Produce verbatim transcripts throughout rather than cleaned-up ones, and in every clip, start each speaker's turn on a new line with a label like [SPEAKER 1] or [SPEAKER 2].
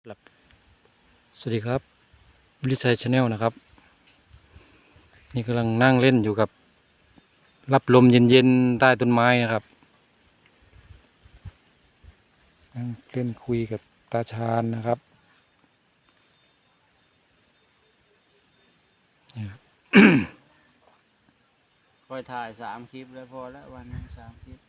[SPEAKER 1] ครับสวัสดีครับวิลิชัยชาแนลนะครับนี่กำลังนั่งเล่นอยู่กับรับลมเย็นๆใต้ต้นไม้นะครับนั่งเล่นคุยกับตาชาญนะครับนี่ครับ
[SPEAKER 2] คอยถ่ายสามคลิปแล้วพอแล้ววันนึงสามคลิป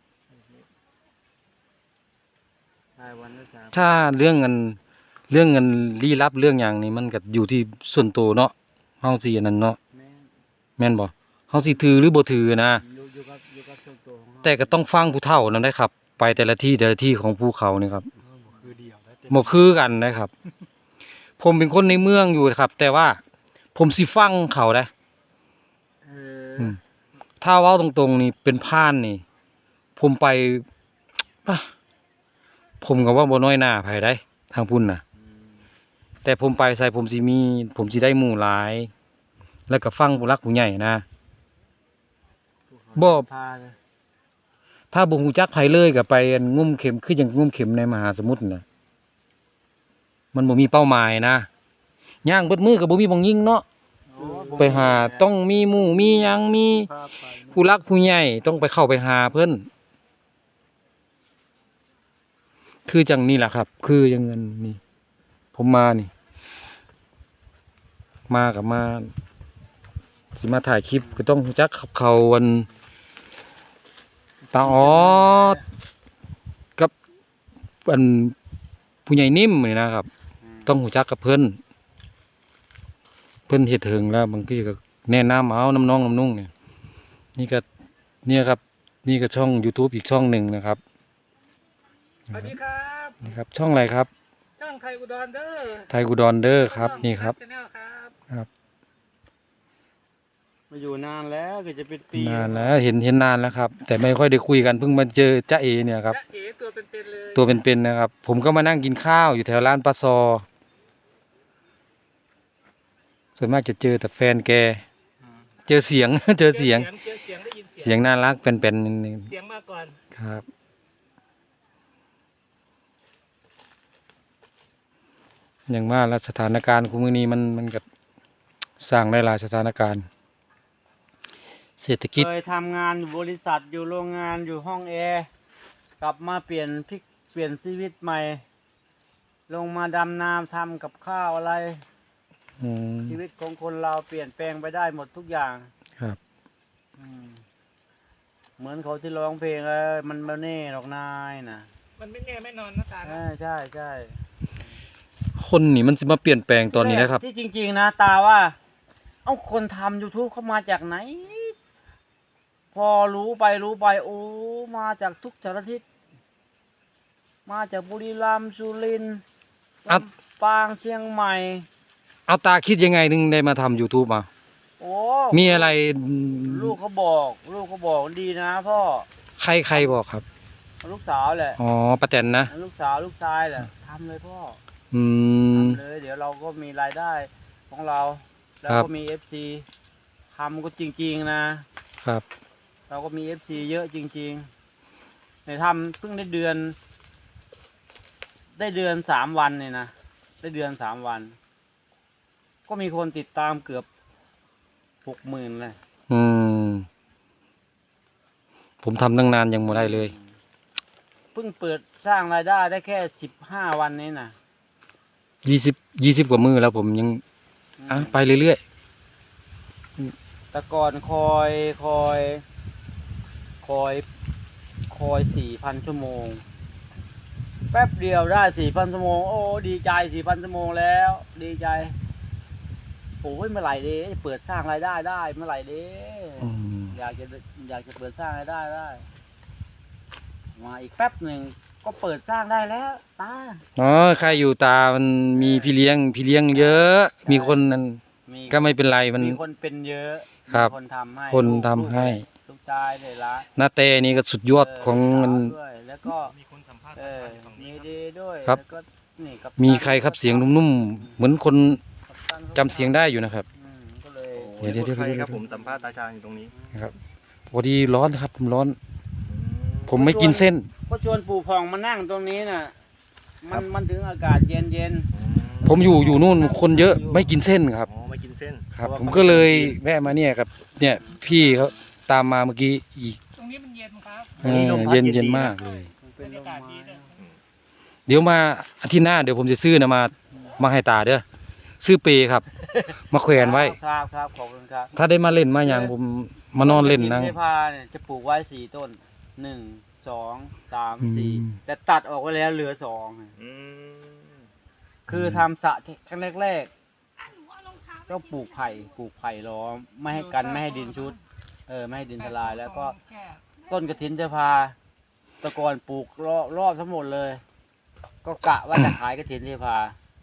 [SPEAKER 2] ถ่ายวันละสาม
[SPEAKER 1] ถ้าเรื่องเงินเรื่องเงินลี้ลับเรื่องอย่างนี้มันก็อยู่ที่ส่วนตัวเนาะเฮาสิอันนั้นเนาะ
[SPEAKER 2] แม่น
[SPEAKER 1] แม่นบ่เฮาสิถือหรือบ่ถือนะ
[SPEAKER 2] อยู่อยู่กับอยู่กับส่วนตัวของเรา
[SPEAKER 1] แต่ก็ต้องฟังผู้เฒ่านํได้ครับ ไปแต่ละที่แต่ละที่ของภูเขานี่ครับ
[SPEAKER 2] เออบ่คือเดียวแล้วแต่
[SPEAKER 1] บ่คือกันนะครับ ผมเป็นคนในเมืองอยู่ครับ แต่ว่าผมสิฟังเขาได้
[SPEAKER 2] เออ
[SPEAKER 1] อืมถ้าเว้าตรงๆนี่เป็นพรานนี่ ผมไป อ่ะผมก็ว่าบ่น้อยหน้าไผได้ทางพุ่นน่ะ
[SPEAKER 2] อืม
[SPEAKER 1] แต่ผมไปใส่ผมสิมี ผมสิได้หมู่หลาย แล้วก็ฟังผู้หลักผู้ใหญ่นะ
[SPEAKER 2] ภูเขา
[SPEAKER 1] บ่
[SPEAKER 2] พาเลย
[SPEAKER 1] ถ้าบ่ฮู้จักไผเลยก็ไปอันงุ่มเข็มคือจังงุ่มเข็มในมหาสมุทรน่ะมันบ่มีเป้าหมายนะย่างเบิดมือก็บ่มีบ่งยิงเนาะ
[SPEAKER 2] โอ้บ่
[SPEAKER 1] ไปหาต้องมีหมู่มีหยังมี
[SPEAKER 2] พาไป
[SPEAKER 1] ผู้รักผู้ใหญ่ต้องไปเข้าไปหาเพิ่นคือจังนี่แหละครับ คือยังเงินนี่ ผมมานี่ มากับมาสิมาถ่ายคลิปก็ต้องรู้จักขับเขาวันตาออดกับอันผู้ใหญ่นิ่มนี่นะครับ
[SPEAKER 2] ม
[SPEAKER 1] ต้องรู้จักกับเพิ่นเพิ่นเฮ็ดถึงแล้วบางทีก็แนะนำเอาน้ำน้องน้ำนุ่งเนี่ยนี่ก็เนี่ยครับ นี่ก็ช่อง YouTube อีกช่องหนึ่งนะครับ
[SPEAKER 2] สวัสดีครับ
[SPEAKER 1] นี่ครับ ช่องอะไรครับ
[SPEAKER 2] ช่างไทยอุดรเด้อ
[SPEAKER 1] ไทยกูดอนเดอร์ครับ นี่ครับ
[SPEAKER 2] ชาแนลครับ
[SPEAKER 1] ครับ
[SPEAKER 2] มาอยู่นานแล้วก็จะเป็นปี
[SPEAKER 1] นานแล้วเห็นเห็นนานแล้วครับ แต่ไม่ค่อยได้คุยกันเพิ่งมาเจอจ้าเอเนี่ยครับ
[SPEAKER 2] จ๊ะเอ๋ตัวเป็นๆเลย
[SPEAKER 1] ตัวเป็นๆนะครับ ผมก็มานั่งกินข้าวอยู่แถวร้านปลาซอ ส่วนมากจะเจอแต่แฟนแก
[SPEAKER 2] อืม
[SPEAKER 1] เจอเสียง เจอเสียง
[SPEAKER 2] เจอเสียงได้ยินเสียง
[SPEAKER 1] เสียงน่ารักเป็นๆนิดนึง
[SPEAKER 2] เสียงมาก่อน
[SPEAKER 1] ครับ อย่างว่าแล้วสถานการณ์คุมือนี้มันมันก็สร้างได้หลายสถานการณ์ เศรษฐกิจ
[SPEAKER 2] เคยทำงานอยู่บริษัทอยู่โรงงานอยู่ห้องแอร์กลับมาเปลี่ยนพลิกเปลี่ยนชีวิตใหม่ ลงมาดำนาทำกับข้าวอะไร
[SPEAKER 1] อืม
[SPEAKER 2] ชีวิตของคนเราเปลี่ยนแปลงไปได้หมดทุกอย่าง
[SPEAKER 1] ครับ
[SPEAKER 2] อืมเหมือนเขาที่ร้องเพลงเออมันไม่แน่หรอกนายนะ
[SPEAKER 3] มันไม่แน่ไม่นอนนะตา
[SPEAKER 2] เอ
[SPEAKER 3] นะ
[SPEAKER 2] อใช่ใช่
[SPEAKER 1] คนนี่มันสิมาเปลี่ยนแปลงตอนนี้นะครับ
[SPEAKER 2] ที่จริง ๆ นะตาว่า เอ้าคนทำ YouTube เขามาจากไหน พอรู้ไปรู้ไป โอ้มาจากทุกสารทิศมาจากบุรีรัมย์สุรินทร์
[SPEAKER 1] อัด
[SPEAKER 2] ลำปางเชียงใหม่
[SPEAKER 1] เอาตาคิดยังไงถึงได้มาทำ YouTube มา
[SPEAKER 2] โอ้
[SPEAKER 1] มีอะไร
[SPEAKER 2] ลูกเขาบอก ลูกเขาบอกดีนะพ่อ
[SPEAKER 1] ใครใครบอกครับ
[SPEAKER 2] ลูกสาวแหละ
[SPEAKER 1] อ๋อป้าแตนนะ
[SPEAKER 2] ลูกสาวลูกชายแหละทำเลยพ่อ
[SPEAKER 1] อืม
[SPEAKER 2] ทำเลย เดี๋ยวเราก็มีรายได้ของเรา แล้ว
[SPEAKER 1] ครับ
[SPEAKER 2] ก็มีเอฟซีทำก็จริง ๆ นะ
[SPEAKER 1] ครับ
[SPEAKER 2] เราก็มีเอฟซีเยอะจริงๆในทำเพิ่งได้เดือน ได้เดือนสามวันเนี่ยนะ ได้เดือนสามวัน ก็มีคนติดตามเกือบหกหมื่นเลย
[SPEAKER 1] อืม ผมทำตั้งนานยังไม่ได้เลย
[SPEAKER 2] เพิ่งเปิดสร้างรายได้ได้แค่สิบห้าวันนี้นะ
[SPEAKER 1] ยี่สิบ ยี่สิบกว่ามือแล้วผมยัง อ่ะไปเรื่อย
[SPEAKER 2] แต่ก่อนคอยคอย คอยคอยสี่พันชั่วโมง แป๊บเดียวได้สี่พันชั่วโมง โอ้ดีใจสี่พันชั่วโมงแล้ว ดีใจโอ้ยเมื่อไหร่เด้เปิดสร้างรายได้ได้เมื่อไหร่เด้
[SPEAKER 1] ๆอืม
[SPEAKER 2] อยากจะอยากจะเปิดสร้างรายได้ได้ มาอีกแป๊บหนึ่งก็เปิดสร้างได้แล้วตา
[SPEAKER 1] อ๋อใครอยู่ตามันมีพี่เลี้ยง พี่เลี้ยงเยอะ มีคนนั้น
[SPEAKER 2] มี
[SPEAKER 1] ก็ไม่เป็นไรมัน
[SPEAKER 2] มีคนเป็นเยอะ
[SPEAKER 1] ครับ
[SPEAKER 2] มีคนทำให้
[SPEAKER 1] คน
[SPEAKER 2] ลูก
[SPEAKER 1] ทำให้
[SPEAKER 2] ลูกชายเลยละ
[SPEAKER 1] หน้าเตนี่ก็สุดยอดของมัน
[SPEAKER 2] เด้วยแล้วก็
[SPEAKER 3] มีคนสัมภาษณ์
[SPEAKER 2] เออ
[SPEAKER 3] ตาอยู่ฝั่ง
[SPEAKER 2] มี
[SPEAKER 3] นี้ครับ
[SPEAKER 2] ดีด้วย
[SPEAKER 1] ครับ
[SPEAKER 2] แล้วก็นี่กัปตัน
[SPEAKER 1] มีใครครับเสียงนุ่มๆ เหมือนคน
[SPEAKER 2] กัปตัน
[SPEAKER 1] จำเสียงได้อยู่นะครับ
[SPEAKER 2] อืมก็เลย
[SPEAKER 1] เดี๋ยวเดี๋ยวเดี๋ยว
[SPEAKER 4] ใคร
[SPEAKER 1] เดี๋ยว
[SPEAKER 4] ครับผมสัมภาษณ์ตาชาญอยู่ตรงนี้
[SPEAKER 1] นะครับพอดีร้อนครับผมร้อน ผมไม่กินเส้น
[SPEAKER 2] ก็ชวนปู่พองมานั่งตรงนี้น่ะมันมันถึงอากาศเย็นเย็น
[SPEAKER 1] ผมอยู่อยู่นู่นคนเยอะไม่กินเส้นครับ
[SPEAKER 4] อ๋อไม่กินเส้น
[SPEAKER 1] ครับ ผมก็เลยแวะมาเนี่ยครับ เนี่ยพี่เขาตามมาเมื่อกี้อีก
[SPEAKER 3] ตรงนี้มันเย็นครับ
[SPEAKER 1] เออเย็นเย็นมากเลย
[SPEAKER 2] มันเป็น
[SPEAKER 3] บรร
[SPEAKER 2] ล
[SPEAKER 3] ยาม กาศ
[SPEAKER 2] ไม้
[SPEAKER 3] ดีด้วย
[SPEAKER 1] เดี๋ยวมาอาทิตย์หน้าเดี๋ยวผมจะซื้อนะมามาให้ตาเด้อซื้อเปครับ มาแขวนไว้
[SPEAKER 2] ครับครับขอบคุณครับ
[SPEAKER 1] ถ้าได้มาเล่นมาอย่างผมมานอนเล่นนั่ง
[SPEAKER 2] กฐิเทพาเนี่ยจะปลูกไว้สี่ต้นหนึ่งสองสาม
[SPEAKER 1] อืม
[SPEAKER 2] สี่แต่ตัดออกไปแล้วเหลือสอง
[SPEAKER 4] อืม
[SPEAKER 2] คือทำสระครั้งแรกๆต้องปลูกไผ่ปลูกไผ่ล้อมไม่ให้กันไม่ให้ดินชุด เออไม่ให้ดินทลายแล้วก็ต้นกระถินเทพาแตะกอนปลูกรอบรอบทั้งหมดเลย ก็กะว่าจะขายกระถินเทพา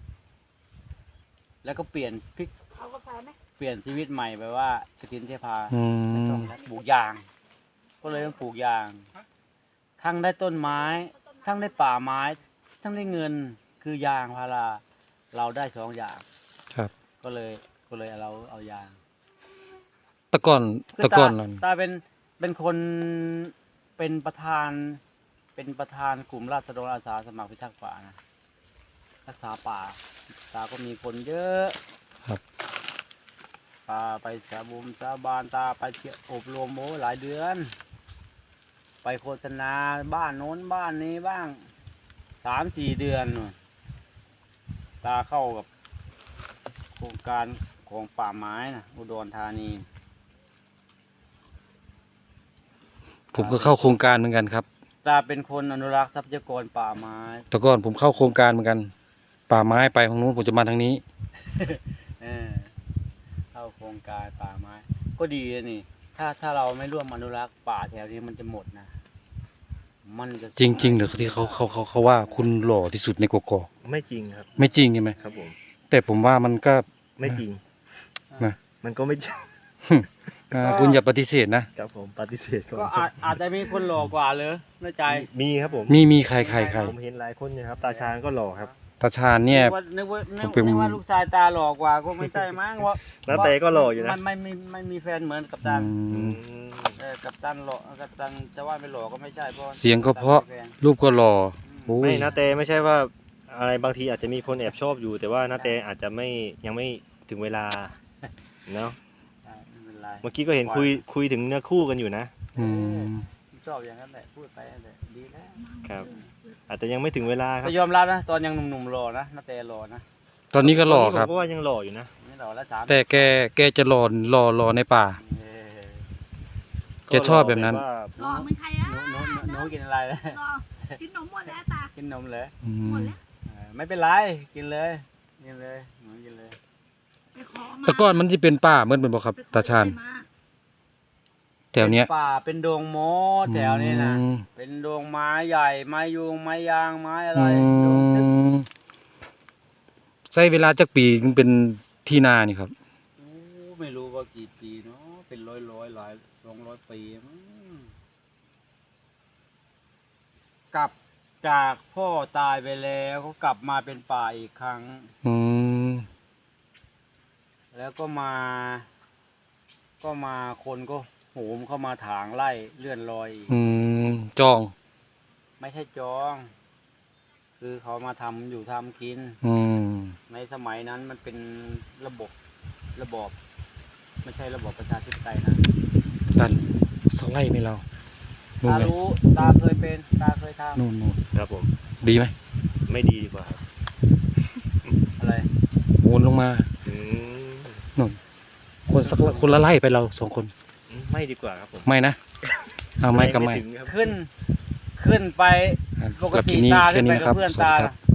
[SPEAKER 2] แล้วก็เปลี่ยนพลิกเปลี่ยนชีวิตใหม่ไปว่ากระถินเทพา
[SPEAKER 1] อืม
[SPEAKER 2] ปลูกยาง ก็เลยต้องปลูกยาง ทั้งได้ต้นไม้ ทั้งได้ป่าไม้ ทั้งได้เงิน คือยางพารา เราได้สองอย่าง
[SPEAKER 1] ครับ
[SPEAKER 2] ก็เลย ก็เลยเราเอายาง
[SPEAKER 1] แตะก่อน
[SPEAKER 2] คือ
[SPEAKER 1] แตะก่อน
[SPEAKER 2] ตา
[SPEAKER 1] นั่น
[SPEAKER 2] ตาเป็น เป็นคน เป็นประธาน เป็นประธานกลุ่มราษฎรอาสาสมัครพิทักษ์ป่านะ รักษาป่า ตาก็มีคนเยอะ
[SPEAKER 1] ครับ
[SPEAKER 2] ตาไปสาบุมสาบานตาไปเที่ยวอบรมโอ้หลายเดือน ไปโฆษณาบ้านโน้นบ้านนี้บ้างสามสี่เดือนนู่นตาเข้ากับโครงการของป่าไม้นะอุดรธานี
[SPEAKER 1] ผมก็เข้าโครงการเหมือนกันครับ
[SPEAKER 2] ตาเป็นคนอนุรักษ์ทรัพยากรป่าไม้
[SPEAKER 1] แต่ก่อนผมเข้าโครงการเหมือนกัน ป่าไม้ไปทางนู้นผมจะมาทางนี้
[SPEAKER 2] เออเข้าโครงการป่าไม้ ก็ดีนะนี่ ถ้าถ้าเราไม่ร่วมอนุรักษ์ป่าแถวนี้มันจะหมดนะ มันจะ
[SPEAKER 1] จริงๆเหรือที่เขาเขาเขาเขาว่าคุณหล่อที่สุดในกกอก
[SPEAKER 4] ไม่จริงครับ
[SPEAKER 1] ไม่จริงใช่ไหม
[SPEAKER 4] ครับผม
[SPEAKER 1] แต่ผมว่ามันก็
[SPEAKER 4] ไม่จริง
[SPEAKER 1] นะ
[SPEAKER 4] มันก็ไม่จริง
[SPEAKER 1] อ่าคุณอย่าปฏิเสธนะ
[SPEAKER 4] ครับผมปฏิเสธก่อน
[SPEAKER 2] ก็อาจอาจจะมีคนหล่อกว่าเลยในใจ
[SPEAKER 4] มีครับผม
[SPEAKER 1] มีมีใครใครใคร
[SPEAKER 4] ผมเห็นหลายคนเนี่ยครับ ตาชาญก็หล่อครับ
[SPEAKER 1] ตาชาญเนี่ย
[SPEAKER 2] นึกว่านึกว่านึ
[SPEAKER 1] ผ
[SPEAKER 2] ก
[SPEAKER 1] มเป็น
[SPEAKER 2] นึกว่าลูกชายตาหล่อกว่าก็ไม่ใช่มั้งว่า
[SPEAKER 4] น้าเต้ก็หล่ออยู่นะ
[SPEAKER 2] มันไม่มีไม่มีแฟนเหมือนกับ
[SPEAKER 1] อื
[SPEAKER 2] ตัน
[SPEAKER 4] อื
[SPEAKER 1] ม
[SPEAKER 4] ม
[SPEAKER 2] เออกับตันหล่อกับตันจะว่าไม่หล่อก็ไม่ใช่เพราะ
[SPEAKER 1] เสียงก็เพราะ รูปก็หล่อโอ้
[SPEAKER 4] ไม่
[SPEAKER 1] ย
[SPEAKER 4] นาเตไม่ใช่ว่าอะไรบางทีอาจจะมีคนแอบชอบอยู่ แต่ว่านาเตอาจจะไม่ยังไม่ถึงเวลาเนาะ
[SPEAKER 2] ใช่ไม่เป็นไร
[SPEAKER 4] เมื่อกี้ก็เห็นคุยคุยถึงเนื้อคู่กันอยู่นะ
[SPEAKER 1] อืม
[SPEAKER 2] ชอบอย่างนั้นแหละพูดไปนั่นแหละดีแล้ว
[SPEAKER 4] ครับ อาจจะยังไม่ถึงเวลาครับ
[SPEAKER 2] แต่ยอมรับนะตอนยังหนุ่มๆหล่อนะนาเตหล่อนะ
[SPEAKER 1] ตอนนี้ก็หล่อครับ
[SPEAKER 4] ผมก็ว่ายังหล่ออยู่นะ
[SPEAKER 2] นี่หล่อแล้วสาม
[SPEAKER 1] แต่แกแกจะหล่อหล่อหล่อในป่า
[SPEAKER 2] เออ
[SPEAKER 1] แกชอบแบบนั้น
[SPEAKER 4] ก็หล่อ
[SPEAKER 5] หล่อเหมือนใครอ่ะ
[SPEAKER 2] หนูหนูหนูหนูกินอะไรนะ
[SPEAKER 5] หล่อกินนมหมดแล้วตา
[SPEAKER 2] กินนมเลย
[SPEAKER 1] อื
[SPEAKER 5] หม
[SPEAKER 1] ม
[SPEAKER 5] ดแล้ว
[SPEAKER 2] เออไม่เป็นไรกินเลยกินเลยหนูกินเลย
[SPEAKER 5] ไปขอมา
[SPEAKER 1] แต่ก่อนมันจะเป็นป่าเหมือนเป็นบ่ครับ
[SPEAKER 5] ไปขอ
[SPEAKER 1] ตาชาญ
[SPEAKER 5] มา
[SPEAKER 1] แถวเนี้ย
[SPEAKER 2] ป็ป่าเป็นดงโมแถวนี้นะ
[SPEAKER 1] อืม
[SPEAKER 2] เป็นดงไม้ใหญ่ไม้ยูงไม้ยางไม้อะไร
[SPEAKER 1] อื
[SPEAKER 2] ดงทึบ
[SPEAKER 1] มใช้เวลาจักปีถึงเป็นที่นานี่ครับ
[SPEAKER 2] โอ้ไม่รู้ว่ากี่ปีเนาะเป็นร้อยร้อยหลายสองร้อยปีมั้งกลับจากพ่อตายไปแล้วเขากลับมาเป็นป่าอีกครั้ง
[SPEAKER 1] อืม
[SPEAKER 2] แล้วก็มา ก็มาคนก็โหมเข้ามาถางไล่เลื่อนลอยอีก
[SPEAKER 1] อืมจอง
[SPEAKER 2] ไม่ใช่จอง คือเขามาทำอยู่ทำกิน
[SPEAKER 1] อืม
[SPEAKER 2] ในสมัยนั้นมันเป็นระบบระบอบไม่ใช่ระบอบประชาธิปไตยนะ
[SPEAKER 1] ดันสไลด์ไหมเรานู่น
[SPEAKER 2] ตา
[SPEAKER 1] ไหม
[SPEAKER 2] รู้ตาเคยเป็นตาเคยท
[SPEAKER 1] นู่นนู่น
[SPEAKER 4] ครับผม
[SPEAKER 1] ดีไหม
[SPEAKER 4] ไม่ดีดีกว่าครับ
[SPEAKER 2] ำอะไร
[SPEAKER 1] โอนลงมา
[SPEAKER 4] อืม
[SPEAKER 1] นู่นคนสักคนละไล่ไปเราสองคน
[SPEAKER 4] ไม่ดีกว่าครับผม
[SPEAKER 1] ไม่นะเอาไม่ก็ไม่
[SPEAKER 4] ถึงครับ
[SPEAKER 2] ขึ้น ขึ้นไป
[SPEAKER 1] อ่ะ
[SPEAKER 2] ปก
[SPEAKER 1] สำหรับ
[SPEAKER 2] ติ
[SPEAKER 1] คลิปนี้
[SPEAKER 2] ตา
[SPEAKER 1] แค่
[SPEAKER 2] ขึ้น
[SPEAKER 1] นี้
[SPEAKER 2] ไป
[SPEAKER 1] นะค
[SPEAKER 2] กั
[SPEAKER 1] รั
[SPEAKER 2] บบ เพื่อน
[SPEAKER 1] สวัส
[SPEAKER 2] ตา
[SPEAKER 1] ดีครับ